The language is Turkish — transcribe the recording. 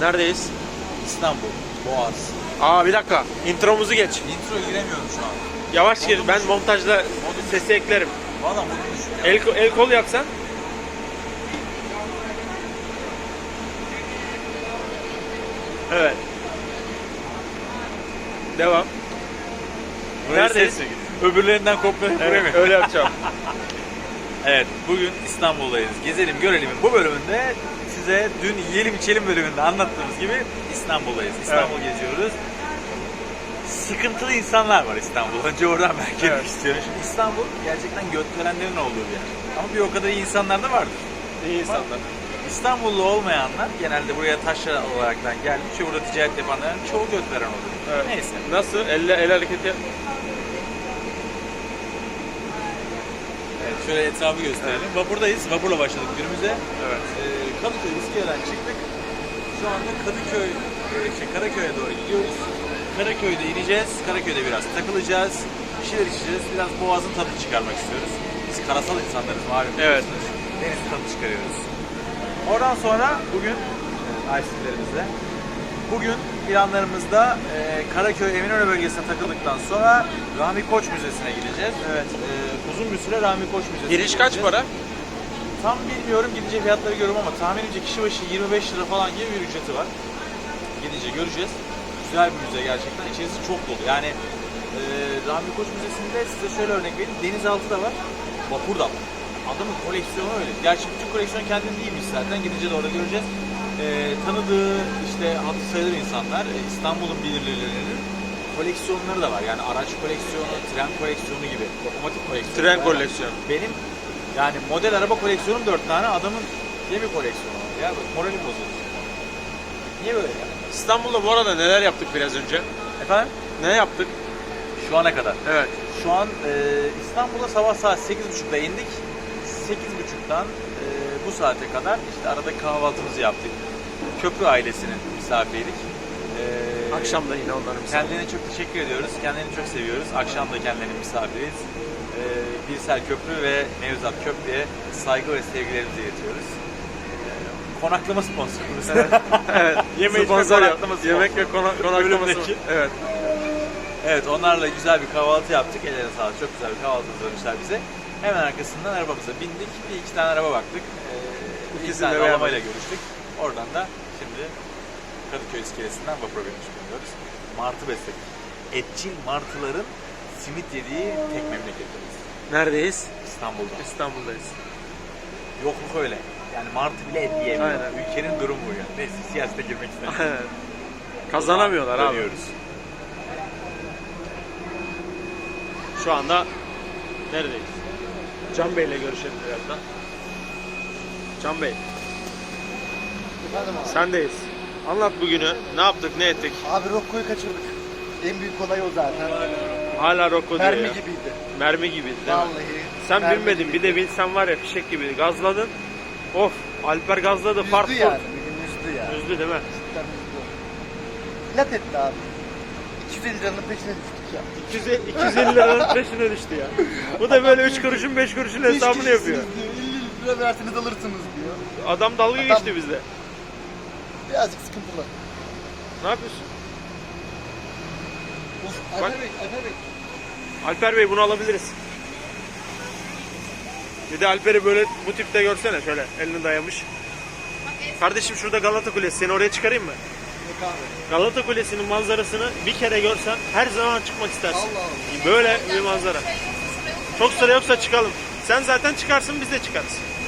Neredeyiz? İstanbul, Boğaz. Aa bir dakika. Intromuzu geç. Intro giremiyorum şu an. Yavaş gir. Ben montajda sesi eklerim. Valla modum düşük ya. El kol yapsan. Evet. Devam. Neredeyiz? Öbürlerinden kopyalayıp buraya mı? Evet, öyle yapacağım. Evet, bugün İstanbul'dayız. Gezelim Görelim'in bu bölümünde size dün Yiyelim İçelim bölümünde anlattığımız gibi İstanbul'dayız. İstanbul geziyoruz. Sıkıntılı insanlar var İstanbul'da. Önce oradan ben girmek istiyorum. Şimdi İstanbul gerçekten gökdelenlerin olduğu bir yer. Ama bir o kadar iyi insanlar da vardır. İyi insanlar. İstanbullu olmayanlar genelde buraya taşra olaraktan gelmiş ve burada ticaret yapanların çoğu gökdelen oluyor. Evet. Neyse. Nasıl? El hareketi. Evet, şöyle etrafı gösterelim. Vapurdayız. Vapurla başladık günümüze. Evet. Kadıköy İskele'den çıktık. Şu anda Karaköy'e doğru gidiyoruz. Karaköy'de ineceğiz. Karaköy'de biraz takılacağız. Bir şeyler içeceğiz. Biraz boğazın tadını çıkarmak istiyoruz. Biz karasal insanlarız malum. Evet. Deniz tadını çıkarıyoruz. Oradan sonra bugün ice'lerimizle bugün planlarımızda Karaköy Eminönü bölgesine takıldıktan sonra Rahmi Koç Müzesi'ne gideceğiz. Evet. Uzun bir süre Rahmi Koç Müzesi'ne Giriş kaç para? Tam bilmiyorum, gidince fiyatları görüyorum ama tahminimce kişi başı 25 lira falan gibi bir ücreti var. Gidince göreceğiz. Güzel bir müze gerçekten. İçerisi çok dolu. Yani Rahmi Koç Müzesi'nde size şöyle örnek vereyim. Denizaltı da var, vapur da var. Adamın koleksiyonu öyle. Gerçi bütün koleksiyon kendinde değilmiş zaten. Gidince de orada göreceğiz. Tanıdığı işte hatırı sayılır insanlar, İstanbul'un belirlilerinin koleksiyonları da var. Yani araç koleksiyonu, tren koleksiyonu gibi. Lokomotif koleksiyonu. Tren koleksiyonu. Benim yani model araba koleksiyonum 4 tane, adamın gemi koleksiyonu var. Ya moralim bozuldu. Niye böyle ya? İstanbul'da bu arada neler yaptık biraz önce? Efendim? Ne yaptık? Şu ana kadar. Evet. Şu an İstanbul'a sabah saat 8.30'da indik. 8.30'dan bu saate kadar işte arada kahvaltımızı yaptık. Köprü ailesinin misafiriydik. Akşam da yine onların misafiri. Kendilerine çok teşekkür ediyoruz. Kendilerini çok seviyoruz. Akşam da kendilerinin misafiriyiz. Birsel Köprü ve Nevzat Köprü'ye saygı ve sevgilerimizi iletiyoruz. Konaklama sponsorumuz. Evet. Evet. Yemek Sponsor ve yok. konaklama Yemek ve konaklaması. Bölümdeki. Evet. Evet, onlarla güzel bir kahvaltı yaptık. Ellerine sağlık. Çok güzel bir kahvaltı hazırlamışlar bize. Hemen arkasından arabamıza bindik. Bir iki tane araba baktık. İki tane arabayla görüştük. Oradan da şimdi Kadıköy iskelesinden vapura binmiş bulunuyoruz. Martı besledik. Etçil martıların simit yediği tek memleketimiz. Neredeyiz? İstanbul'da. İstanbul'dayız. Yokluk öyle. Yani martı bile et yiyemiyor. Aynen. Ülkenin durumu bu yani. Neyse, siyasete girmek istemiyorum. Kazanamıyorlar abi. Dönüyoruz. Şu anda neredeyiz? Can Bey'le görüşelim birazdan. Can Bey, Efendim abi. sendeyiz. Anlat bugünü. Ne yaptık, ne ettik? Abi Rocco'yu kaçırdık. En büyük olay o zaten. Hala Rocco diyor Mermi ya. gibiydi. Mermi gibiydi değil mi? Vallahi. Sen mermi binmedin. gibiydi. Bir de binsen var ya fişek gibi. Gazladın. Of. Alper gazladı. Üzdü Fart yani. Bugün üzdü ya. Üzdü değil mi? Cidden üzdü. İnat etti abi. 250 liranın peşine düştük ya. 250 liranın peşine düştü ya. Bu da böyle 3 kuruşun 5 kuruşun hesabını yapıyor. Diyor. 50 lira verseniz alırsınız diyor. Adam dalga geçti bizde. Birazcık sıkıntılı. Ne yapıyorsun? Of, Bak. Alper Bey. Alper Bey bunu alabiliriz. Bir de Alper'i böyle bu tipte görsene, şöyle elini dayamış. Kardeşim şurada Galata Kulesi, seni oraya çıkarayım mı? Yok abi. Galata Kulesi'nin manzarasını bir kere görsen her zaman çıkmak istersin. Allah Allah. Böyle bir manzara. Çok sıra yoksa çıkalım. Sen zaten çıkarsın, biz de çıkarız.